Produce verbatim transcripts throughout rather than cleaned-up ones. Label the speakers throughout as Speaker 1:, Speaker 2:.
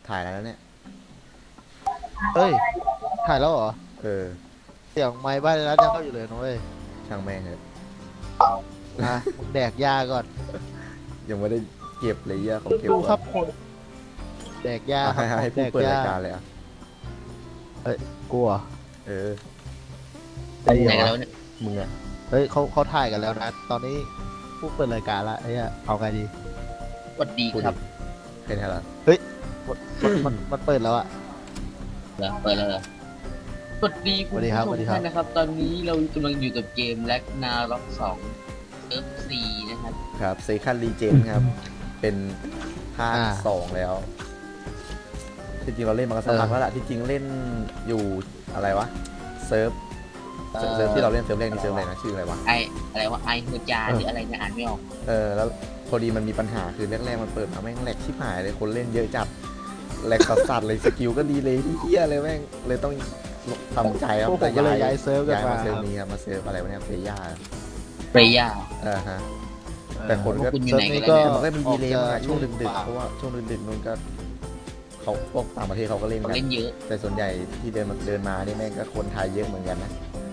Speaker 1: ถ่ายแล้วเนี่ย
Speaker 2: เฮ้ยถ่ายแล้วเหรอ
Speaker 1: เออ
Speaker 2: เสียงไม้บ้านนั้นยังเข้าอยู่เลยนะเว้ย
Speaker 1: ช่างแม่งเลย
Speaker 2: นะมึงแดกยาก่อน
Speaker 1: ยังไม่ได้เก็บเลยเยอะเขาเก็บ
Speaker 2: ดูครับ
Speaker 1: ก่อน
Speaker 2: คนแดกยาค
Speaker 1: ให้
Speaker 2: รับ
Speaker 1: ให้
Speaker 2: แด
Speaker 1: ผู้
Speaker 2: ก
Speaker 1: เปิด
Speaker 2: ยาร
Speaker 1: ายการเลยอ่ะ
Speaker 2: เฮ้ยกลัว
Speaker 1: เออ
Speaker 2: ไอ้
Speaker 3: ไหน
Speaker 2: เหี้
Speaker 3: กัน
Speaker 2: ย
Speaker 3: แล้วเนี่ย
Speaker 1: มึงอ่ะ
Speaker 2: เฮ้ยเขาเขาถ่ายกันแล้วนะตอนนี้ผู้เปิดรายการละไอ้เหี้ยเอาไงดี
Speaker 3: สวัสดีครับ
Speaker 1: เป็นไงล่ะ
Speaker 2: มันมันมันเปิดแล้วอะ
Speaker 3: เหรอเปิดแล้วเหรอสวัสดีคุณผู้ชมทุกท่านนะครับ ตอนนี้เรากำลังอยู่กับเกมแล็กนาร็อกสองเซิร์ฟสี่นะครับ
Speaker 1: ครับเซคันรีเจนครับ เป็นภาคสองแล้วที่จริงเราเล่นมาสักพักแล้วล่ะที่จริงเล่นอยู่อะไรวะเซิร์ฟเซิร์ฟที่เราเล่นเซิร์ฟแรกนี่เซิร์ฟอะไรนะชื่ออะไรวะ
Speaker 3: ไออะไรวะไอเฮอร์จาหรืออะไรเนี่ยอ่านไม่ออก
Speaker 1: เออแล้วพอดีมันมีปัญหาคือแรกๆมันเปิดมาแม่งแหลกชิบหายเลยคนเล่นเยอะจัดแหลกสัสๆเลยสกิลก็ดีเลยเฮี้ยเลยแม่งเลยต้องทำใจครับ
Speaker 2: พวกผมก็เลยย้ายเซิร์ฟกัน
Speaker 1: ย้าย
Speaker 2: มา
Speaker 1: มาเซิร์ฟนี้ครับมาเซิร์ฟอะไรวะเนี่ยเฟย่า
Speaker 3: เฟรย่า
Speaker 1: เออฮะ แต่คนก็
Speaker 3: คุณอยู่
Speaker 2: เซิร์
Speaker 3: ไหน
Speaker 2: ฟนี้
Speaker 3: กัน
Speaker 2: ก็
Speaker 3: แล้ว
Speaker 1: มันก็มีดีเลย์มาช่วงดึก
Speaker 2: ป่า
Speaker 1: ๆเพราะว่าช่วงดึกๆนู้นก็เขาพวกต่างประเทศเขาก็เล่น
Speaker 3: เขา
Speaker 1: กัน
Speaker 3: เล่นเยอะ
Speaker 1: แต่ส่วนใหญ่ที่เดินมาเดินมานี่แม่งก็คนไทยเยอะเหมือนกันนะ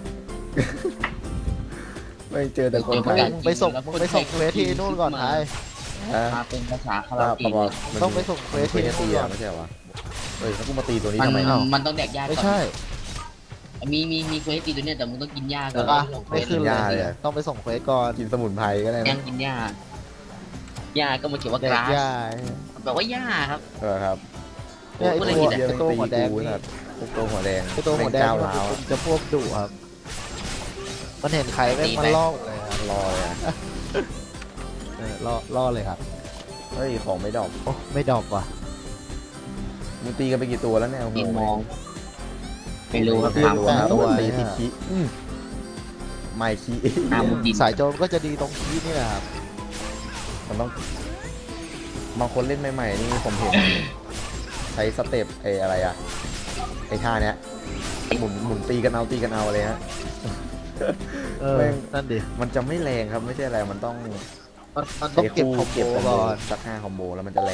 Speaker 1: ไม่เจอแต่คนไทย
Speaker 2: มึงไปส่งมึงไปส่งเควสที่นู่นก่อนไทย
Speaker 1: ฮะ
Speaker 3: มาเป็นภาษาคารา
Speaker 1: ว่า
Speaker 3: โอ
Speaker 1: ป
Speaker 3: เกะ
Speaker 1: ระ
Speaker 3: เลย
Speaker 1: มาณ
Speaker 2: ต้องไปส่งเควส
Speaker 1: เคว
Speaker 2: ที่
Speaker 1: ส
Speaker 2: นู่น
Speaker 1: ตี
Speaker 2: ก่อ
Speaker 1: อะ
Speaker 2: น
Speaker 1: ไม่ใช่เหรอวะเฮ้ยแล้วกูมาตีตัวนี้
Speaker 3: มัน
Speaker 1: ทำไมเอ้า
Speaker 3: มันต้องแดกยา
Speaker 2: ไม่
Speaker 3: ก่อน
Speaker 2: ใช่
Speaker 3: มีมีมีเควสตีตัวเนี้ยแต่มึงต้องกินยาก่
Speaker 2: แล้
Speaker 3: อ
Speaker 2: วน ก็ไม่ขึ้นเลยต้องไปส่งเควสก่อน
Speaker 1: กินสมุนไพรก็ได้
Speaker 3: ยั
Speaker 1: นะ
Speaker 3: งกินยายาก็มาเขียนว่า
Speaker 2: แด
Speaker 3: ก
Speaker 2: ก
Speaker 3: ราส
Speaker 2: ยา
Speaker 3: แปลว่าหญ้าครับ
Speaker 1: เออครับ
Speaker 2: เนี่ยไอ้
Speaker 3: พูดอะไร
Speaker 2: ตัว
Speaker 3: ผิดอะ
Speaker 2: ไอ้ตัวหัวแดง
Speaker 1: กู
Speaker 2: นี่
Speaker 1: สัตว์พวกตัวหัวแดง
Speaker 2: ไอ้ตัวหัวแดง
Speaker 1: ม่
Speaker 2: มัน
Speaker 1: ก้าวร้าว
Speaker 2: จะพวกดุครับ มันเห็นใครแม่งมันล่อเลยครับ
Speaker 1: รอเลยอะ
Speaker 2: เออล่อล่อเลยครับ
Speaker 1: เฮ้ยของไม่ดอก
Speaker 2: โอ้ไม่ดอกว่ะ
Speaker 1: มึงตีกันไปกี่ตัวแล้วเนี่ยโอ้โห
Speaker 3: กินมองไม่รู้ครับ
Speaker 1: ตี
Speaker 3: ถาม
Speaker 1: ตัว
Speaker 3: คน
Speaker 1: ครับ
Speaker 3: ตัว
Speaker 1: ตีติดขี้อืมไม่ขี้
Speaker 3: ถามมึงกิน
Speaker 2: สายโจรก็จะดีตรงที่นี่แหละครับ
Speaker 1: มันต้องบางคนเล่นใหม่ๆนี่ผมเห็น ใช้สเต็ปไอ้อะไรอะไอ้ท่าเนี้ยหมุนหมุนตีกันเอาตีกันเอาเลยฮะ
Speaker 2: เออ
Speaker 1: แม่ง
Speaker 2: นั่นดิ
Speaker 1: มันจะไม่แรงครับไม่ใช่อะไรมันต้อง
Speaker 2: มันมันต้องเก็บคอมโบ
Speaker 1: เก็บคอมโบ
Speaker 2: ก่อน
Speaker 1: สักห้าคอมโบแล้วมันจะแรง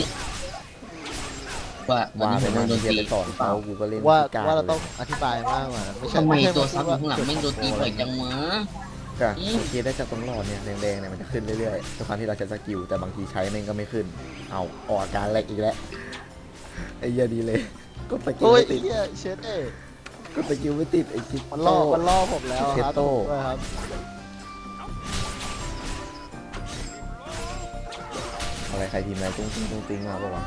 Speaker 3: ว่าตอน
Speaker 1: ว่า
Speaker 3: นี้
Speaker 1: ไป
Speaker 3: ผมโด
Speaker 1: นั่ง
Speaker 3: นโดน
Speaker 1: เรียน
Speaker 3: ตี
Speaker 1: ไปสอนเขากูก็เล่น
Speaker 2: ว่า
Speaker 1: พิก
Speaker 2: ว่าเรา
Speaker 1: ลย
Speaker 2: ต้องอธิบายมากกว่านั้นไม่ใช่
Speaker 3: ทำไม
Speaker 2: ใช่
Speaker 3: ตัว
Speaker 2: ว่า
Speaker 3: ซับอยู่ข้างหลังแม่งโดนตีบ่อยจังวะ
Speaker 1: ก็สังเกตได้จากตรงหลอดเนี่ยแดงๆเนี่ยมันจะขึ้นเรื่อยๆทุกครั้งที่เราใช้สกิลแต่บางทีใช้แม่งก็ไม่ขึ้น เอาออกอาการแรกอีกแล้วไอ้เหี้ยดีเลยก็สกิล
Speaker 2: โอ้ย
Speaker 1: ไม่ติด
Speaker 2: เฮียเชดเอ้ย
Speaker 1: ก็สกิลไม่ติดไอ้คิด
Speaker 2: มันล่อมันล่อผมแล้วครับ
Speaker 1: เทโต้
Speaker 2: ด้วยครับ
Speaker 1: อะไรใครพิมพ์อะไรตุ้งติ้งตุ้งติ้งมาปะวะ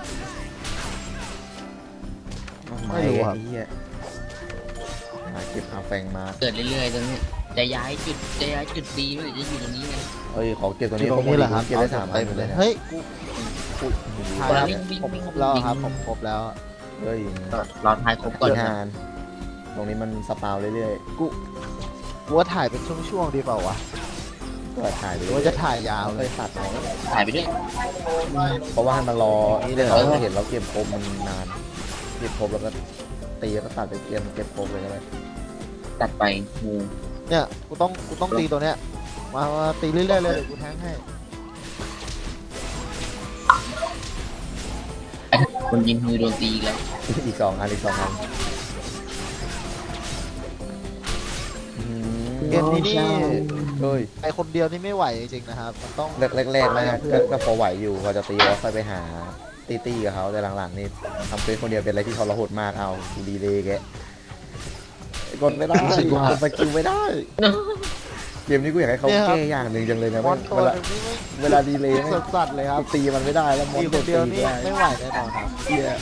Speaker 1: ไม่ไอ้เหี้ยหาเก็บหาแฟงมา
Speaker 3: เกิดเรื่อยๆตรงนี้จะย้ายจุดจะย้ายจุดดีไม่หรือจะอยู่ตรงนี้ไง
Speaker 1: เอ้ยขอเก็บตัว
Speaker 2: ที่
Speaker 1: นี้
Speaker 2: ตรงนี้แหละครับ
Speaker 1: เก็บได้สามอั
Speaker 2: เต็
Speaker 1: น
Speaker 2: ม
Speaker 1: เล
Speaker 2: เลย ย
Speaker 1: นะ
Speaker 2: เฮ้ยกู
Speaker 1: อุ๊ยโอ้โห
Speaker 2: ถ่ายแล้วผมครบแล้วครับผมครบแล้ว
Speaker 1: เฮ้ย
Speaker 3: รอทายครบก่
Speaker 1: ก่
Speaker 3: อ
Speaker 1: อน นทานตรงนี้มันสปาวเรื่อย
Speaker 2: กูกูว่าถ่ายเป็นช่วงๆดีเปล่าวะ
Speaker 1: ๆก็ถ่ายไป
Speaker 2: หรื
Speaker 1: เรื่
Speaker 2: อ
Speaker 1: อย
Speaker 2: ว่าจะถ่ายยาว
Speaker 1: เอา
Speaker 2: เล
Speaker 1: เลย ยตัดเอา
Speaker 3: ถ่ายไปด้วย
Speaker 1: เพราะว่าให้มันรอ
Speaker 2: นี่เลยเหร
Speaker 1: เรา
Speaker 2: อ
Speaker 1: เห็นเราเก็บครบมันนานเก็บครบแล้วก็ตีแล้วก็ตัดไปเกมเก็บครบเลยก็ได้
Speaker 3: ตัดไปงู
Speaker 2: เนี่ยกูต้องกูต้องตีตัวเนี้ยมามาตีเรื่อยๆเลยเดี๋ยวกูแทงให้
Speaker 3: คนยิงมือโดนตีอีกแล้ว
Speaker 1: อีกสองอันอีกสองอันอืม
Speaker 2: เกมนี้นี่
Speaker 1: เฮ้ย
Speaker 2: ไอคนเดียวนี่ไม่ไหวจริงๆนะครับมันต้อง
Speaker 1: แรกๆนะครับก็ก็พอไหวอยู่พอจะตีแล้วค่อยไปหาตีตี้กับเขาแต่หลังๆนี่ทำเป็นคนเดียวเป็นอะไรที่ทรหดมากเอากูดีเลยแกกดไม่ได้กดสกิลไม่ได้เกมนี้กูอยากให้เขาแก้อย่างหนึ่งจังเลยนะ
Speaker 2: มอนตัว
Speaker 1: เวลา
Speaker 2: นึงนี่ไม่
Speaker 1: เวลาดีเลย
Speaker 2: สดสัดเลยครับ
Speaker 1: ตีมันไม่ได้แล้วมอน
Speaker 2: ตีค
Speaker 1: จะ
Speaker 2: น
Speaker 1: ตี
Speaker 2: เดียวนี่
Speaker 1: ไม่ได้
Speaker 2: ไม่ไหวแน่นอนครับ
Speaker 1: เหี้ย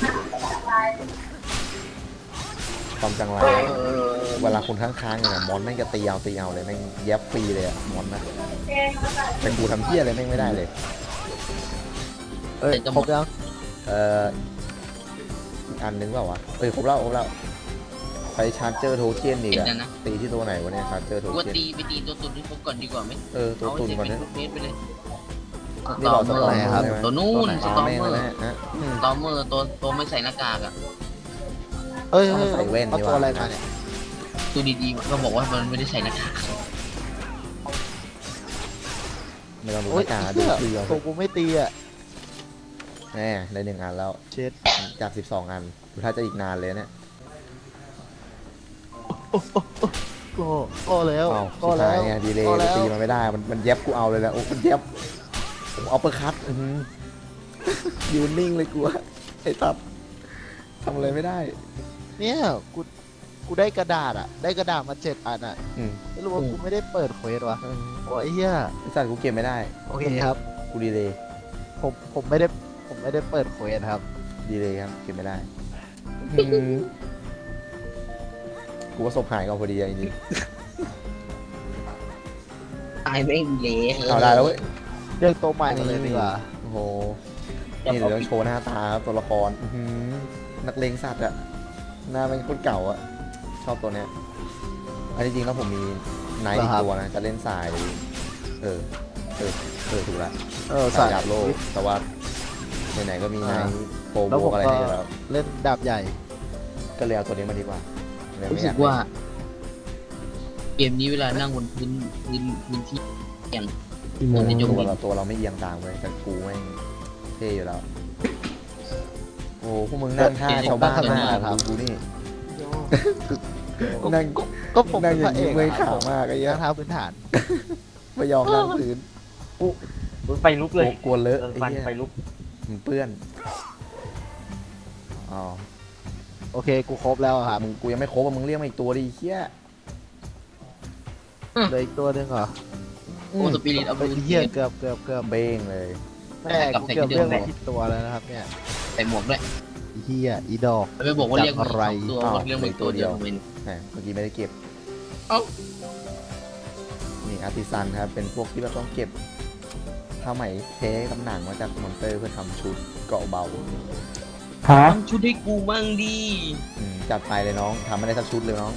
Speaker 1: ความจังไรเวลาคนข้างๆเนี่ยมอนแม่งจะตีเอาตีเอาเลยแม่งแยบฟรีเลยอะมอนนะเป็นกูทำเพี้ยอะไรแม่งไม่ได้เลย
Speaker 2: เอ้ยครบยัง
Speaker 1: เอ่ออีกอันนึงเปล่าวะเอ้ยครบแล้วครบแล้วไปชาร์เจอร์โทเค็นอีก
Speaker 3: เห็น
Speaker 1: อะ
Speaker 3: นะนะ
Speaker 1: ตีที่ตัวไหนวะเนี่ยชาร์เจอร์โท
Speaker 3: ว่า
Speaker 1: เค็น
Speaker 3: ตีไปตีตัวตุ่นที่ครบก่อนดีกว่าไหม
Speaker 1: เออตัวตุนก่อน
Speaker 3: เน
Speaker 1: นะ
Speaker 3: เมตรไปเลย
Speaker 1: นี่บอกสตอมเมอร์
Speaker 3: ครับ
Speaker 1: ใช่ไหม
Speaker 3: ตัวนู่นส
Speaker 1: ตา
Speaker 3: ตอม
Speaker 1: แม่ง
Speaker 3: เมอ
Speaker 1: แล้ว
Speaker 3: ร์
Speaker 1: นะฮะอืม
Speaker 3: สตอมเมอร์ตัวตัวไม่ใส่หน้ากากอ่ะ
Speaker 2: เอ้ยเอ้ย
Speaker 1: ใส่แว่น
Speaker 2: เอา
Speaker 1: ดีก
Speaker 2: ตัว
Speaker 1: ว่า
Speaker 2: อะไรมาเนี่ย
Speaker 3: ตัวดีๆก็บอกว่ามันไม่ได้ใส่หน้ากาก
Speaker 1: ไม่ต้องดู
Speaker 2: โอ้ย
Speaker 1: หน้าตาดู
Speaker 2: เหี้ย
Speaker 1: คือเอา
Speaker 2: ตัวกูไม่ตีอ่ะ
Speaker 1: แน่ได้หนึ่งอันแล้ว
Speaker 2: เช็ด
Speaker 1: จากสิบสองอันดูถ้าจะอีกนานเลยเนี่ย
Speaker 2: ก็ก็แล้ว
Speaker 1: อ้าว
Speaker 2: ก็
Speaker 1: สุด
Speaker 2: แล้
Speaker 1: ท้ายว เนี่ยดีเลย
Speaker 2: ก็แล้ว
Speaker 1: ตีมันไม่ได้มันมันเย็บกูเอาเลยแหละโอ้มันเย็บผมเอาเปอร์คัตอื้อหือยืนนิ่งเลยกูอะไอ้ตับทำอะไรไม่ได้
Speaker 2: เนี่ยกูกูได้กระดาษอ่ะ ได้กระดาษมาเจ็ดอันอ่ะ
Speaker 1: อืม
Speaker 2: ไม่รู้ว่ากูไม่ได้เปิดเควสวะโอ้ยเฮีย
Speaker 1: ไอ้สัตว์กูเก็บไม่ได้
Speaker 2: โอเคครับ
Speaker 1: กูดีเลย
Speaker 2: ผมผมไม่ได้ผมไม่ได้เปิดเควสครับ
Speaker 1: ดีเลยครับเก็บไม่ได้อื้อหือกูว่าศพหายก่อนพอดีอะจริง
Speaker 3: ตายไม่เละ
Speaker 1: ๆเอาได้แล้วเว้ย
Speaker 2: เรียกตัวใหม่มาเลยดีกว่า
Speaker 1: โอ้โหนี่เดี๋ยวต้องโชว์หน้าตาครับตัวละครอื้อหือนักเลงสัตว์อะหน้าเป็นคนเก่าอะชอบตัวเนี้ยอันที่จริงแล้วผมมีไนท์อีกตัวนะจะเล่นสายเออเออเออถูกละ
Speaker 2: เออ
Speaker 1: สายดาบโลกแต่ว่าไหนๆก็มีไนท์โปร
Speaker 2: แล้ว
Speaker 1: โบ
Speaker 2: ผม
Speaker 1: อะไร
Speaker 2: ก็
Speaker 1: ให้แล้ว
Speaker 2: เล่นดาบใหญ่
Speaker 1: ก็เลยเอาตัวนี้มาดีกว่าเลย
Speaker 3: รู้
Speaker 1: ไม่อ
Speaker 3: สึ
Speaker 1: ยาก
Speaker 3: กว่า เกมนี้เวลานั่งบนพื้นพื้นพื้นที่อย่าง
Speaker 1: เล่น
Speaker 3: ในยก
Speaker 1: ตัว
Speaker 3: มือ
Speaker 1: เราตัวเราไม่เอียงตามเลยแต่กูแม่งเท่อยู่แล้ว โอ้พวกมึงนั่งท่าชาวบ้านมากดูกูนี่นั่ง
Speaker 2: ก็ผม
Speaker 1: นั่
Speaker 2: เป็
Speaker 1: ง
Speaker 2: น
Speaker 1: อ
Speaker 2: พ
Speaker 1: ย่า
Speaker 2: ระ
Speaker 1: ง
Speaker 2: เอ
Speaker 1: นี้
Speaker 2: ก
Speaker 1: เมื่อย
Speaker 2: อะ
Speaker 1: ขามากไอ้เหี้ย
Speaker 2: เท้าพื้นฐาน
Speaker 1: ไม่ยอมนั่งพื้น
Speaker 4: ไฟลุกเลย
Speaker 1: กลัวเลอะ
Speaker 4: เออ
Speaker 1: ไอ้
Speaker 4: ฟัน
Speaker 1: เหี้ย
Speaker 4: ไฟลุก
Speaker 1: มันเปื้อนอ๋อ
Speaker 2: โอเคกูครบแล้วอะครับ
Speaker 1: มึงกูยังไม่ครบอ่ะมึงเรียกมาอีกตัวดิไอ้เหี้ย
Speaker 2: เหลืออีกตัวหนึงเหรอ
Speaker 3: โอ้สปิริตเอา
Speaker 2: เป็นเหี้ยเกือบเกือบเกือบ
Speaker 1: เบ้งเลย
Speaker 2: แม่กูเกือบเรื่องไม่ผิดตัวแล้วนะครับเนี่ย
Speaker 3: ใส่หมวกด้วย
Speaker 2: อีเหี้ยอีดอก
Speaker 3: ไม่บอกว่าเรียก
Speaker 2: จับอะไร
Speaker 3: ตัว
Speaker 1: อ้าว
Speaker 3: เรียกเป็นตัวเดียวเป็น
Speaker 1: แหมเมื่อกี้ไม่ได้เก็บ
Speaker 3: เอ้า
Speaker 1: นี่อาร์ติซันครับ เป็นพวกที่เราต้องเก็บผ้าไหมเทกับหนังมาจากมอนเตอร์เพื่อทำชุดเกราะเบา
Speaker 4: ฮะ
Speaker 3: ทำชุดให้กูมั่งดี
Speaker 1: อืมจัดไปเลยน้องทำไม่ได้สักชุดเลยน้อง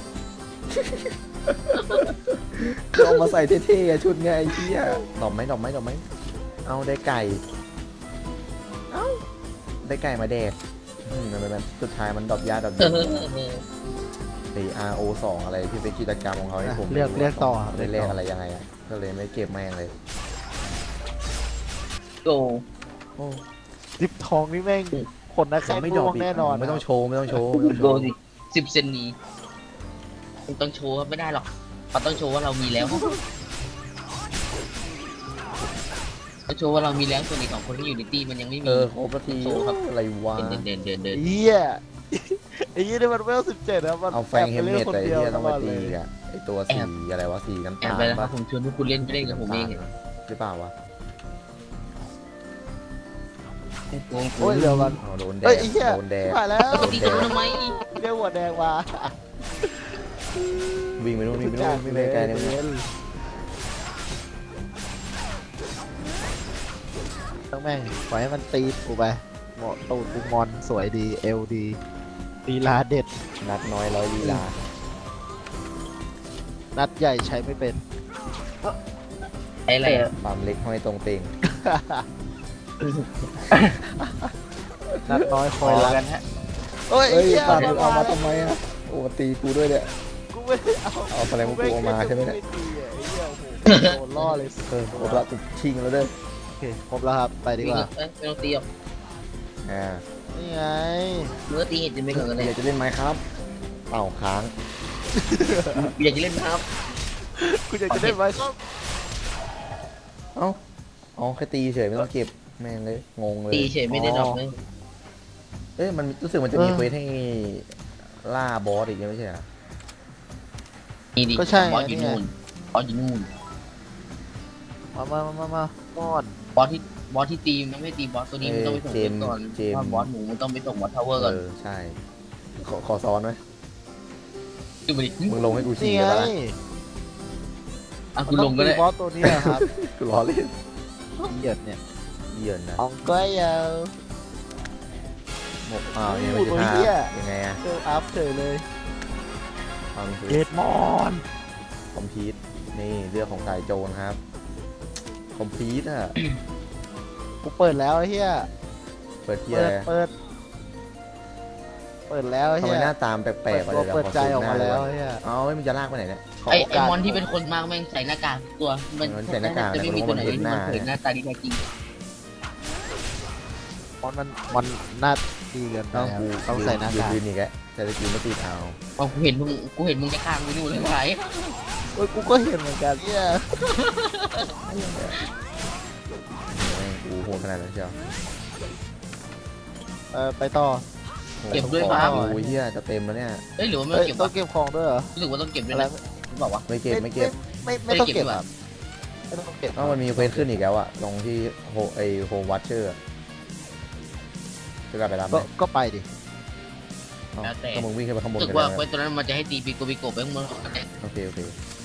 Speaker 1: เอามาใส่เท่ๆอะชุดไงไอ้เหี้ยดอกไหมดอกไหมดอกไหมเอาได้ไก่ เอ้าได้ไก่มาแดกอืมมันเป็นสุดท้ายมันดอกยาดอก
Speaker 3: เอ
Speaker 1: เดียว
Speaker 3: อ
Speaker 1: ไอ อาร์ โอ สองอะไรที่เป็นกิจกรรมของเขาที่ผม
Speaker 2: เรียกเรียกต่อครับ
Speaker 1: ได้เลขอะไรยังไงอ่ะก็เลยไม่เก็บแม่งเลย
Speaker 3: โก
Speaker 1: โอ้
Speaker 2: ดิบทองนี่แม่งคนนะแค่
Speaker 1: ไม่
Speaker 2: ไม่
Speaker 1: ด
Speaker 2: ด
Speaker 1: อ
Speaker 2: อก ก
Speaker 1: อีก
Speaker 2: แน่นอน
Speaker 1: ไม่ต้องโชว์ไม่ต้องโชว์ไม่ต้องโช
Speaker 3: โก
Speaker 1: ว์
Speaker 3: สิสิบเซนนี้มึงต้องโชว์ไม่ได้หรอกเราต้องโชว์ว่าเรามีแล้วต้องโชว์ว่าเรามีแล้วส่วนอีกสองคนที่อยู่ในตีมันยังไม่มี
Speaker 1: เออครบนาที
Speaker 3: โชว์ครับ
Speaker 1: อะไรวะ
Speaker 3: เดินเดินเดินเดิน
Speaker 2: เหี้ยไอ้เหี้ยนี่มันเวลสิบเจ็ดนะมัน
Speaker 1: เอาแฟงเฮมเมต
Speaker 2: คน
Speaker 1: แต่ไอ้
Speaker 2: เดียว
Speaker 1: เหี้ยต้องมา
Speaker 2: ตลด
Speaker 1: ตี
Speaker 2: เลย
Speaker 1: อ่ะไอตัวสีอะไรวะสีน้ำ
Speaker 3: แอ
Speaker 1: ตา
Speaker 3: บ
Speaker 1: ล
Speaker 3: ไปแล้วครั
Speaker 1: ปะ
Speaker 3: บผมชวนพวกคุณเล่นไม่เล่นกับผมเอง
Speaker 1: หรือเปล่าวะ
Speaker 2: โอ้ยเดี๋ยวมัน
Speaker 1: อ๋อโดนแด
Speaker 2: เฮ้ย
Speaker 1: ด
Speaker 2: ไอ้เหี้ย
Speaker 1: โดนแดด
Speaker 2: ผ่านแล้ว
Speaker 3: ปกติจะทำไม
Speaker 2: เรียกหัวแดงมา
Speaker 1: วิ่งไปนู่นวิ่งไปนู่นวิ่งไปไกลเลย
Speaker 2: ต้องแม่งปล่อยให้มันตีกูไปเหมาะตูดกูงอนสวยดีเอลดีลีลาเด็ด
Speaker 1: นัดน้อยร้อยลีลา
Speaker 2: นัดใหญ่ใช้ไม่เป็น
Speaker 3: ไอ้อะไรอะ
Speaker 1: ปั๊มเล็กห้อยตรงเตง
Speaker 2: นัดน้อยค
Speaker 4: พ
Speaker 2: อย
Speaker 4: อ
Speaker 2: รัก
Speaker 4: กันฮะ
Speaker 2: โอ้ย
Speaker 1: เฮ้ย
Speaker 2: เหี้ย
Speaker 1: ปั๊ม
Speaker 2: แดง
Speaker 1: เอามา
Speaker 2: แล้ว
Speaker 1: ทำไมอ่ะโอ้ตีกูด้วยเนี่ย
Speaker 2: กูไม่ได้เอา
Speaker 1: เอาแสดงว่ากูเอามาใช่ไหมเนี่ย
Speaker 2: ไม่ตีอ่ะไอ้เหี้ยโอ้โหโดนล่อเลย
Speaker 1: เออครบละกูชิงแล้วเด้อ
Speaker 2: โอเคครบแล้วครับไปดีกว่า
Speaker 3: เอ้ยไม่ต้องตีหรอก
Speaker 1: อ่า
Speaker 2: นี่ไง
Speaker 3: เมื่อตีเห็นจะไม่ก่อนกันเลย
Speaker 1: อยากจะเล่นไหมครับเอ้าค้าง
Speaker 3: อยากจะเล่นครับ
Speaker 2: กูอยากจะได้ไว้ก็
Speaker 1: เอ้าอ๋อแค่ตีเฉยไม่ต้องเก็บแม่งเลยงงเลย
Speaker 3: ตีเฉยไม่ได้ดอกเลย
Speaker 1: เอ้ยมันรู้สึกมันจะมีเควสให้ล่าบอสอีกไม่ใช่เหรอ
Speaker 3: นี่ดิ
Speaker 2: ก็ใช่
Speaker 3: บอส
Speaker 2: ไง
Speaker 3: อยู่
Speaker 2: นี่ไง
Speaker 3: นู่นบอสอยู่นู่น
Speaker 2: มามามามามาก้อน
Speaker 3: บอสที่บอสที่ตีมันไม่ตีบอสตัวนี้มันต้องไปส่ง
Speaker 1: เจ
Speaker 3: เก
Speaker 1: ม
Speaker 3: ม
Speaker 1: ส์
Speaker 3: ก่อน
Speaker 1: เจมส์
Speaker 3: ถ้าบอสหมูมันต้องไปส่งบอสทาวเวอร์ก่อน
Speaker 1: เออใช่ขอขอซ้อนไหม
Speaker 3: ดูไปดิ
Speaker 1: มึงลงให้กู
Speaker 2: นี่
Speaker 1: ฉี่
Speaker 2: ไง
Speaker 1: แล้วนะ
Speaker 3: อ่ะคุณลงก็ได้
Speaker 2: บอสตัวนี้นะครับ
Speaker 1: กูล้อเล่น
Speaker 2: เหยียดเนี่ย
Speaker 1: เหยินนะ
Speaker 2: อองก้อยยาว
Speaker 1: หมกอ้าวนี่มัน
Speaker 2: โอ้
Speaker 1: จะ
Speaker 2: ย
Speaker 1: ท่า
Speaker 2: เหี้ย
Speaker 1: ยังไงอะ
Speaker 2: เกิลอัพเฉยเลย
Speaker 1: ความคือ
Speaker 2: เกตมอน
Speaker 1: คอมพิวต์นี่เรื่องของสายโจรครับคอมพิวต์อะ
Speaker 2: กูเปิดแล้วไอ้เฮีย
Speaker 1: เปิดที่
Speaker 2: เปิ
Speaker 1: อะไร
Speaker 2: ดเปิด เปิดแล้วไอ้
Speaker 1: ทำ
Speaker 2: เฮี
Speaker 1: ไม
Speaker 2: ย
Speaker 1: หน้าตามแปล
Speaker 2: เปิ
Speaker 1: ก
Speaker 2: ด
Speaker 1: ๆไป
Speaker 2: ตัว
Speaker 1: เลย
Speaker 2: เปิดใจออกมาแล้วไอ้เฮีย
Speaker 1: เอาไม่มันจะลากไปไหนเนี่ย
Speaker 3: ไอไอมอนที่เป็นคนมากแม่งใส่หน้ากากทุกตัวมัน
Speaker 1: มันใส่หน้ากาก
Speaker 3: จะไม่มีตัวไหน
Speaker 1: มันเห็น
Speaker 3: ที่
Speaker 1: หน้า
Speaker 3: มันเผยหน้าตาดีแท้จริง
Speaker 2: มอนมันมันน่าดีเกินไป
Speaker 1: ต้อง
Speaker 2: ครับ
Speaker 1: กู
Speaker 2: ต้องใส่หน้ากาก
Speaker 1: ยืนอีกแล้วแต่สกิลไม่ติดเอา
Speaker 3: พอกูเห็นมึงกูเห็นมึงจะข้างกูนู่นเลยไหน
Speaker 2: เฮ้ยกูก็เห็นเหมือนกันเนี่ย
Speaker 1: แม่งกูโหดขนาดนั้นเชียว
Speaker 2: เออไปต่อ
Speaker 1: โห
Speaker 3: เก็บด้วยค
Speaker 1: ข
Speaker 3: รั
Speaker 1: อบ งกูเฮียจะเต็มแล้วเนี่ย
Speaker 3: เอ้ยหรือว่าไม่
Speaker 2: เฮ้ย
Speaker 3: เก็บ
Speaker 2: ต้อ
Speaker 3: วะ
Speaker 2: งเก็บของด้วยเหรอ
Speaker 3: รู้สึกว่าต้องเก็บด้วย
Speaker 2: อะไร
Speaker 3: นะบอกว่า
Speaker 1: ไม่เก็บไม่เก็บ
Speaker 2: ไม่ไม่ไม่ต้องเก็บครับไม่ต้องเก็บ
Speaker 1: อ้าวมันมีเควสขึ้นอีกแล้วอะตรงที่โฮไอโฮมวัตเชอร์จะกลับไปรับไหม
Speaker 2: ก็ก็ไปดิ
Speaker 1: อ้าวก็มึงวิ่งขึ้นไปข้างบน
Speaker 3: รู้สึ
Speaker 1: กั
Speaker 3: ก
Speaker 1: น
Speaker 3: ว่า
Speaker 1: แล้ว
Speaker 3: เควสตัวนั้นมันจะให้ตีปีโกปีโกไปข้างบน
Speaker 1: โอเคโอเค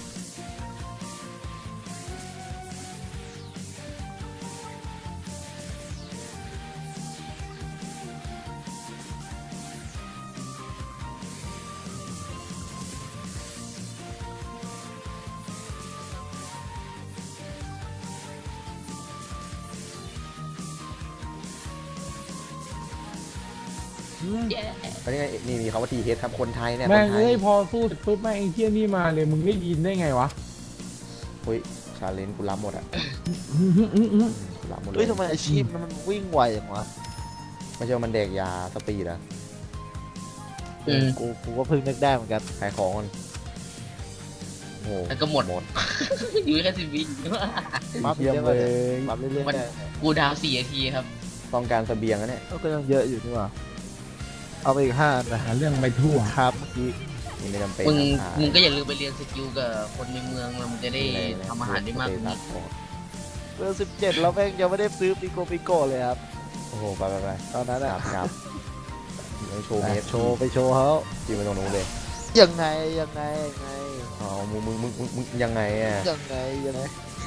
Speaker 1: อันนี้ไงนี่มีคำว่าทีเฮดครับคนไทยเนี่ยค
Speaker 4: แม่ง
Speaker 1: นไท
Speaker 4: เอ้
Speaker 1: ย
Speaker 4: ยพอสู้เสร็จปุ๊บแม่งไอ้เที่ยนี่มาเลยมึงได้ยินได้ไงวะ
Speaker 1: เฮ้ยชาเลนจ์กูรับหมดอะกูรับหมดเล
Speaker 2: เฮ้ย
Speaker 1: ย
Speaker 2: ทำไมอาชีพมันวิ่งไวอย่างวะ
Speaker 1: ไม่ใช่ว่ามันแดกยาสปีดอะ
Speaker 3: อืม
Speaker 2: กูกูก็เพิ่งนึกได้เหมือนกัน
Speaker 1: ขายของมันโอ้โห
Speaker 3: แล้วก็หมด
Speaker 1: หมด
Speaker 3: อยู่แค่สิบวิ
Speaker 2: มาเรื่
Speaker 1: เยี่ยม
Speaker 2: อย
Speaker 1: เล
Speaker 2: ๆ
Speaker 1: ย
Speaker 2: มาเรื่อย
Speaker 3: มัน
Speaker 2: ๆได้
Speaker 3: กูดาวสี่นาทีครับ
Speaker 1: ต้องการเสบียงนะเนี่ย
Speaker 2: ก็ยังเยอะอยู่นี่หว่าเอาไปอีกห้าอันนะ
Speaker 4: หาเรื่องไปทั่ว
Speaker 2: ครับเมื่อกี้
Speaker 1: นี่ไม่จำเป็น
Speaker 3: มึง
Speaker 1: นะ
Speaker 3: มึงก็อย่าลืมไปเรียนสกิลกับคนในเมืองแล้วมึงจะได้ทำอาหารได้มากกว่านี้
Speaker 2: เบอร์สิบเจ็ดแล้วแม่งยังไม่ได้ซื้อปิโกปิโกเลยครับ
Speaker 1: โอ้โหไปไปไป
Speaker 2: ตอนนั้น
Speaker 1: ค
Speaker 2: อะ
Speaker 1: รับครับยังโชว์เมฟ
Speaker 2: โชว์ไปโชว์เขา
Speaker 1: จีไปตรงนู้นเลย
Speaker 2: ยังไงยังไงยังไง
Speaker 1: อ๋อมึงมึงมึงมึงมึงยังไงอ่ะ
Speaker 2: ยังไงยังไง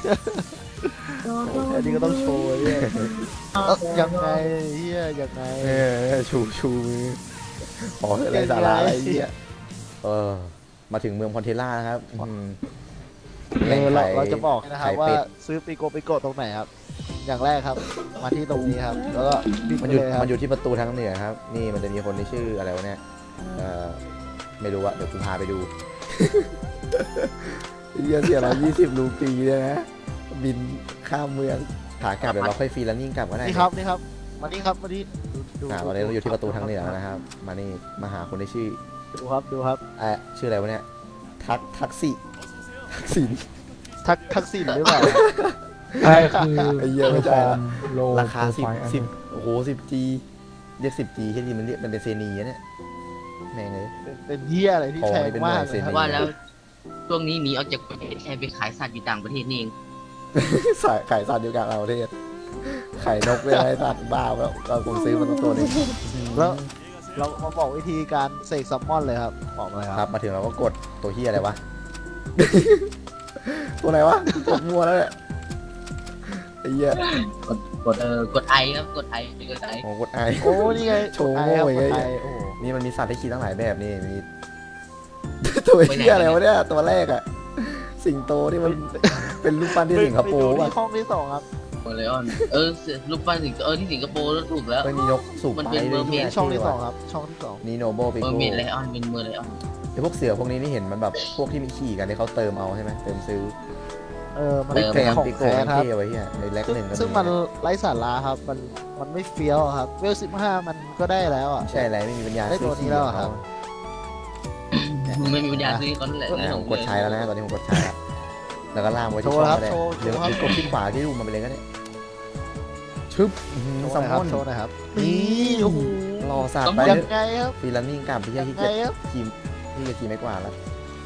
Speaker 2: อันนี้ก็ต้องโชว์ไอ้เนี่ยเอ้ายังไงเฮียยังไง
Speaker 1: เออชูชูมือขออะไรสาระอะไรเงี้ยเออมาถึงเมืองพอนเทล่านะครับอืม
Speaker 2: เออเราเราจะบอกนะครับ
Speaker 1: ไข่
Speaker 2: ว่า
Speaker 1: เป็ด
Speaker 2: ซื้อปิโกปิโกตรงไหนครับ อย่างแรกครับ มาที่ตรงนี้ครับ แล้วก็บิ๊ก
Speaker 1: มัน
Speaker 2: ไป
Speaker 1: อยู่
Speaker 2: เลยครับ
Speaker 1: มันอยู่ที่ประตูทางเหนือครับ นี่มันจะมีคนที่ชื่ออะไรวะเนี่ยเออไม่รู้อะเดี๋ยวกูพาไปดูเยี่ยเสียเรายี่สิบรูปีเลยนะบินข้ามเมืองขากลับเดี๋ยวเราค่อยฟรีแลนนิ่งกลับก็ได้
Speaker 2: นี่ครับนี่ครับมานี่ครับมานี่ดูดู
Speaker 1: อ่าตอนนี้เราอยู่ที่ประตูทางเหนือแล้วนะครับ มานี่มาหาคนที่ชื่อ
Speaker 2: ดูครับดูครับ
Speaker 1: เอ่อชื่ออะไรวะเนี่ยทักทักษิทักษิณ
Speaker 2: ทักทักษิณหรือเปล่า
Speaker 4: ใช่คือ
Speaker 1: ไอ้เหี้ยไม่ใช่ละ
Speaker 4: โล
Speaker 1: ราคาสิบ
Speaker 4: โปรไฟล์อัน
Speaker 1: สิบ
Speaker 4: นั้น
Speaker 1: โอ้โหสิบจีเรียกสิบจีแค่นี้มันเรียกมันเป็นเซนีอะเนี่ยแม่งเลย
Speaker 2: เป็นเป็นเฮียอะไรที่
Speaker 1: ของ
Speaker 2: แพง
Speaker 1: นี่เป็น
Speaker 2: มาก
Speaker 1: เมืองเซ
Speaker 2: เลย
Speaker 1: น
Speaker 2: ครับ
Speaker 3: ว่าแล้วช่วงนี้หนีออกจากประเทศไทยไปขายสัตว์อยู่ต่างประเทศนี่เอง
Speaker 1: สายขายสัตว์อยู่กลางประเทศไข่นกเลยอะไรสัตว์บ้าแล้วเราผมซื้อมันตัวหนึง
Speaker 2: แล้วเรามาบอกวิธีการเสกซัมมอนเลยครับบอกเลย
Speaker 1: ค
Speaker 2: ค
Speaker 1: รั
Speaker 2: รั
Speaker 1: บบ มาถึงเราก็กดตัวเฮียอะไรวะ ตัวไหนวะกดมัวแล้วเนี่ยไอ้เหี้ย
Speaker 3: กดกดเออกดไอครับกดไอไปกดไอ
Speaker 1: โอ้กดไอ
Speaker 2: โอ้นี่ไง
Speaker 1: โชว์
Speaker 2: กดไอครับ
Speaker 1: โง่
Speaker 2: ก
Speaker 1: อี
Speaker 2: ด
Speaker 1: ก
Speaker 2: ไอ
Speaker 1: ไง
Speaker 2: โอ้โห
Speaker 1: นี่มันมีสัตว์ให้ขี่ตั้งหลายแบบนี่มี ตัวเฮียอะไรวะเนี่ยตัวแรกอะสิงโตที่มันเป็นรูปปั้นที่สิงคโปร์
Speaker 2: ไปดู
Speaker 1: ป่ะ
Speaker 2: ที่ห้องที่สองครับ
Speaker 3: โอเลออนเออรูปปั้นสิงเออที่สิงคโปร์แล้วถูกแล้ว
Speaker 1: ไม่มีนกสูบ
Speaker 3: มัน
Speaker 1: ไป
Speaker 3: เป็น
Speaker 1: เลย
Speaker 3: mermaid
Speaker 1: เนี่ย
Speaker 2: ช่องที่สองครับ ช่องที่สอง
Speaker 1: นีโนโบปิ
Speaker 3: เมอ
Speaker 1: โก
Speaker 3: ร์เมดไลออนเป็นเมอร์ไลออน
Speaker 1: ไอพวกเสือพวกนี้นี่เห็นมันแบบพวกที่มีขี่กันที่เขาเติมเอาใช่ไหมเติมซื้อ
Speaker 2: เออมัน
Speaker 1: เฮ้ย
Speaker 2: เป็น
Speaker 1: แกม
Speaker 2: ของ
Speaker 1: ปิโก
Speaker 2: แท้
Speaker 1: มัน
Speaker 2: ครับ
Speaker 1: เท่ไว้เฮียในแล็ก
Speaker 2: ซึ่ง
Speaker 1: หนึ่งก็
Speaker 2: ซึ่งมันไร้สาระครับ มันมันไม่เฟี้ยวครับเวลสิบห้ามันก็ได้แล้วอ่ะ
Speaker 1: ใช่อะไรไม่มีปัญญา
Speaker 2: ได้ตัวนี้แล้วอะครับ
Speaker 3: ไม่มีปัญญาซื้อเขานั่นแหละ
Speaker 1: เนี่ยผมกดใช้แล้วนะตอนนี้ผมกดใช้แล้วแล้วก็ล่ามไว้ที่
Speaker 2: โช
Speaker 1: ช่
Speaker 2: ว์
Speaker 1: อง
Speaker 2: ครับ
Speaker 1: ก็ได้
Speaker 2: โชว์
Speaker 1: หรือ
Speaker 2: โชว์ครับ
Speaker 1: หรือกดที่ขวาที่รูปมันไปเลยก็ได้ชึบอื้อหือ
Speaker 2: โชว์ห
Speaker 1: ซั
Speaker 2: น่
Speaker 1: ม
Speaker 2: อยครับ
Speaker 1: มอน
Speaker 2: โชว์หน่อยครับ
Speaker 1: นี่โอ้โหรอสัตว์ไป
Speaker 2: ยังไงครับ
Speaker 1: ฟรีแลนนิ่งกลับไป
Speaker 2: ยั
Speaker 1: ที่
Speaker 2: ง
Speaker 1: ที่
Speaker 2: ไง
Speaker 1: เกียจ
Speaker 2: ครับ
Speaker 1: ทีมที่จะทีมไม่กว่าแล้ว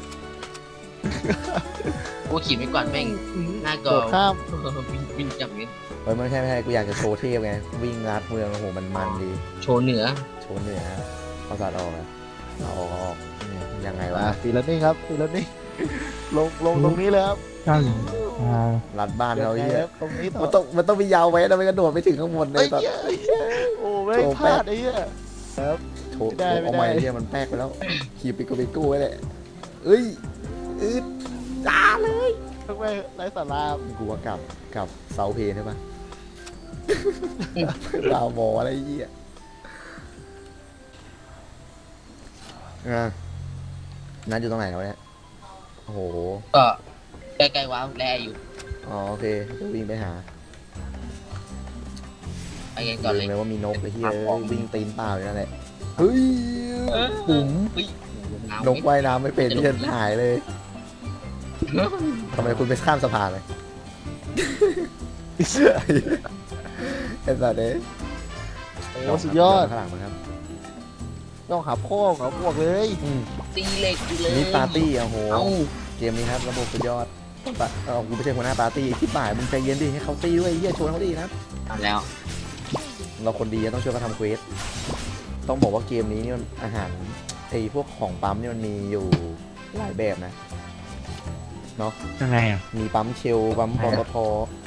Speaker 3: โอ้ขี่ไม่กวาดแม่งหน้า
Speaker 2: โด
Speaker 3: ก่อ
Speaker 2: ดข้าม
Speaker 3: วิ่งวิ่งจับเงี้ย
Speaker 1: เฮ้ยไม่ใช่ไม่ใช่กูอยากจะโชว์เทพไงวิ่งลัดเมืองโอ้โหมันมันดี
Speaker 3: โชว์เหนือ
Speaker 1: โชว์เหนือเอาสัตว์ออกนะเอาออกเอาออกเนี่ยยังไงวะ
Speaker 2: อ่าฟีลนิ่งครับฟีลนิ่งลงลงตรงนี้เลยครับ
Speaker 4: กันอ่า
Speaker 1: รัดบ้านเขา
Speaker 2: ยัง
Speaker 1: เฮี
Speaker 2: ไง
Speaker 1: ย
Speaker 2: ครับตรงนี้ต่อ
Speaker 1: มันต้องมันต้องมียาวไว้นะไม่กระโดดไปถึงข้างบนเล
Speaker 2: เอ้
Speaker 1: ย
Speaker 2: ย
Speaker 1: ตอน
Speaker 2: เหี้ยเหี้ยโอ้ไม่งพลาดไอ้เหี้ยครับ
Speaker 1: โชว์
Speaker 2: ไม่ได้
Speaker 1: เอา
Speaker 2: ไม่
Speaker 1: ให
Speaker 2: ได้
Speaker 1: ม่เฮียมันแป๊กไปแล้วขี่ปิโกปิโก้ไว้เลยเอ้ยอึดจ้าเลย
Speaker 2: ทั้งแม่งไร้สาระ
Speaker 1: กูว่ากลับกลับเซาเพนใช่ปะ ดาวบออะไรเงี้ยอ่ะนั่นอยู่ตรงไหนแล้วเนี่ยโอ้โห
Speaker 3: ก็ใกล้ๆว้าวแลอยู่
Speaker 1: อ๋อโอเคเดี๋ยววิ่งไปหา
Speaker 3: ไปกันก่อน
Speaker 1: ลื
Speaker 3: เล
Speaker 1: ม
Speaker 3: ย
Speaker 1: เลยว่ามีนกไอ้ที่เอ้ยวิ่งตีนเปล่าอยู่นั่นแหละเฮ้ยปุ๋ม
Speaker 3: เฮ้ย
Speaker 1: นกว่ายน้ำไม่เป็นที่จะหายเลยทำไมคุณไปข้ามสะพานเลยไอ้สัตว์เอ้ย
Speaker 2: โอ้สุดยอด
Speaker 1: ข้างหลังมันครับ
Speaker 2: ต้องหับโค้งเหรอบวกเลย
Speaker 1: อืม
Speaker 3: ตีเหล็กอยู่เลย
Speaker 1: นี่ปาร์ตี้โอ้โห
Speaker 3: เอ้า
Speaker 1: เกมนี้ครับระบบสุดยอดปะเออกูไม่ใช่หัวหน้าปาร์ตี้ที่บ่ายมึงใจเย็นดิให้เขาตีด้วยไอ้เหี้ยชวนเขาดีนะ
Speaker 3: เอาแล้ว
Speaker 1: เราคนดีต้องช่วยเขาทำเควสต้องบอกว่าเกมนี้นี่มันอาหารไอ้พวกของปั๊มนี่มันมีอยู่หลายแบบนะเนาะ
Speaker 4: ยังไงอ่ะ
Speaker 1: มีปั๊มเชลปั๊มปตท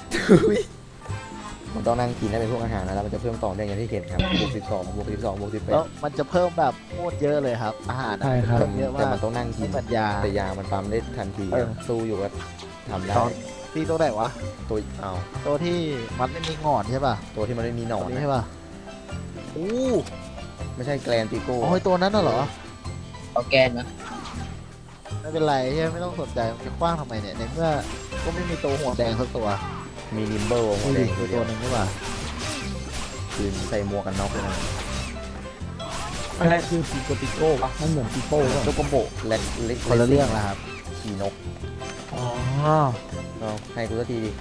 Speaker 1: มันต้องนั่งกินได้เป็นพวกอาหารนะแล้วมันจะเพิ่มต่อเนื่องอย่างที่เห็นครับบวกสิบสองบวกสิบสองบวกสิบแป
Speaker 2: แล้
Speaker 1: ด
Speaker 2: วมันจะเพิ่มแบบโคตรเยอะเลยครับ อาหาร
Speaker 4: ใช่ครับ
Speaker 2: เพิ่มเยอะ
Speaker 1: แต่
Speaker 2: มาก
Speaker 1: มันต้องนั่งกิ
Speaker 2: ไม่
Speaker 1: น
Speaker 2: เหมือนยา
Speaker 1: แต่ยามันปั๊มได้ทันที
Speaker 2: เออ
Speaker 1: สู้อยู่ก็ทำได้
Speaker 2: ตอนที่ตัวไหนวะ
Speaker 1: ตัวเอา
Speaker 2: ตัวที่มันไม่มีงอนใช่ป่ะ
Speaker 1: ตัวที่มันไม่มีหนอ
Speaker 2: ตัวน นี้
Speaker 1: นะ
Speaker 2: ใช่ป่ะอู้
Speaker 1: ไม่ใช่แกลนติโก้
Speaker 2: โอ้ยตัวนั้นน่ะเหรอ
Speaker 3: เอาแกนนะ
Speaker 2: ไม่เป็นไรใช่ไหมไม่ต้องสนใจมันจะคว้างทำไมเนี่ยในเมื่อก็ไม่มีตัวหัวแดงสักตัว
Speaker 1: มีนิมเบิลหัวแดง
Speaker 2: มี
Speaker 1: ตัวเดี
Speaker 2: ตั
Speaker 1: ยว ว
Speaker 2: หนึ่งใช่ป่ะ
Speaker 1: คือใส่หมวกกันน็อกเลยนะ
Speaker 4: อะไรคือปีโกติโก้ปะมันเหมือนปีโป้ปะ
Speaker 1: โจโกโบเล็กเล็ก
Speaker 2: คนละเรื่องแล้วครับ
Speaker 1: ขี่นก
Speaker 4: อ๋อ
Speaker 1: เอาให้กูสักทีดิ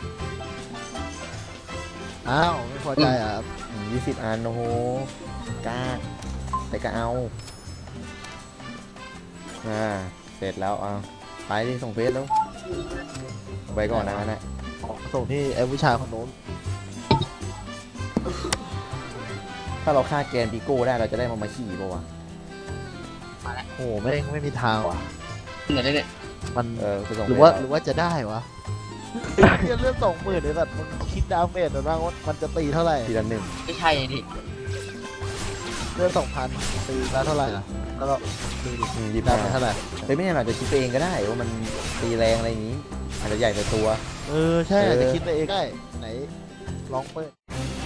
Speaker 2: อ้าวไม่พอใจอ่ะครับ
Speaker 1: ยี่สิบอันโอ้โหกล้าแต่ก็เอาอ่าเสร็จแล้วเอาไปดิส่งเฟซแล้วไปก่อนนะนะ
Speaker 2: ส่งที่ไอ้ผู้ชายคนนู้น
Speaker 1: ถ้าเราฆ่าแกนปิโก้ได้เราจะได้มามาขี่ป่าวะ
Speaker 2: โอ้โหไม่ไม่มีทางว่ะ
Speaker 3: เหมือนได้เนี่ย
Speaker 2: มัน
Speaker 1: เออไปส่ง
Speaker 2: หรือว่า
Speaker 1: เฟซ
Speaker 2: หรือว่าจะได้วะเหี้ยเลือดสองหมื่นเลยแบบมึงคิดดาเมจหรือว่ามันจะตีเท่าไหร่
Speaker 1: ทีละหนึ่ง
Speaker 3: ไม่ใช่ดิ
Speaker 2: เลือดสองพันตีแล้วเท่าไหร่ล่ะแล้วก็ตีดิ
Speaker 1: อืมยี่สิบ
Speaker 2: ได้
Speaker 1: ห้า
Speaker 2: ไปเท่าไหร่
Speaker 1: เฮ้ยไม่แน่อาจจะคิดไปเองก็ได้ว่ามันตีแรงอะไรอย่างนี้อาจจะใหญ่ไปตัว
Speaker 2: เออใช่
Speaker 1: เออ
Speaker 2: อาจจะคิดไปเองได้ไหนลองเปิด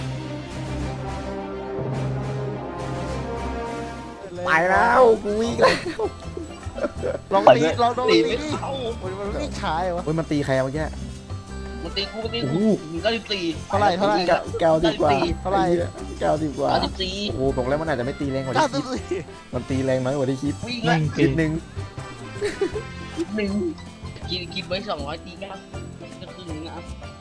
Speaker 1: ไปแล้วกูวิ่งแล้ว
Speaker 2: ลองตีลองลอง
Speaker 3: ตี
Speaker 2: ตี
Speaker 3: ไม่
Speaker 2: ดิ
Speaker 3: เข้า
Speaker 2: โอ้ยมันไม่ช้ายวะ
Speaker 1: เฮ้ยมันตีใครอะเมื่อกี้
Speaker 3: มันตีกูมันตี
Speaker 1: โอ้
Speaker 3: กู
Speaker 1: โห
Speaker 3: หนึ่งเก้าสิบสี่
Speaker 2: เท่าไหร่เท่าไหร่
Speaker 1: แก้วแก้วดีกว่า
Speaker 2: เท่าไหร่
Speaker 1: แก้วดีกว่า
Speaker 3: เก้าสิบสี่
Speaker 1: โอ้โหบอกแล้วมันอาจจะไม่ตีแรงกว่า
Speaker 2: เก้า
Speaker 1: ที่
Speaker 2: สิ
Speaker 1: คิด
Speaker 2: บสี่
Speaker 1: มันตีแรงน้อยกว่าที่คิด
Speaker 3: วิ่ง
Speaker 4: แม่
Speaker 3: ละ
Speaker 4: ง
Speaker 1: นิ
Speaker 4: ตี
Speaker 1: ดนึง
Speaker 3: หนึ่งกินกินไว้สองร้อยตีเก้าก็ครึ่งนึงนะ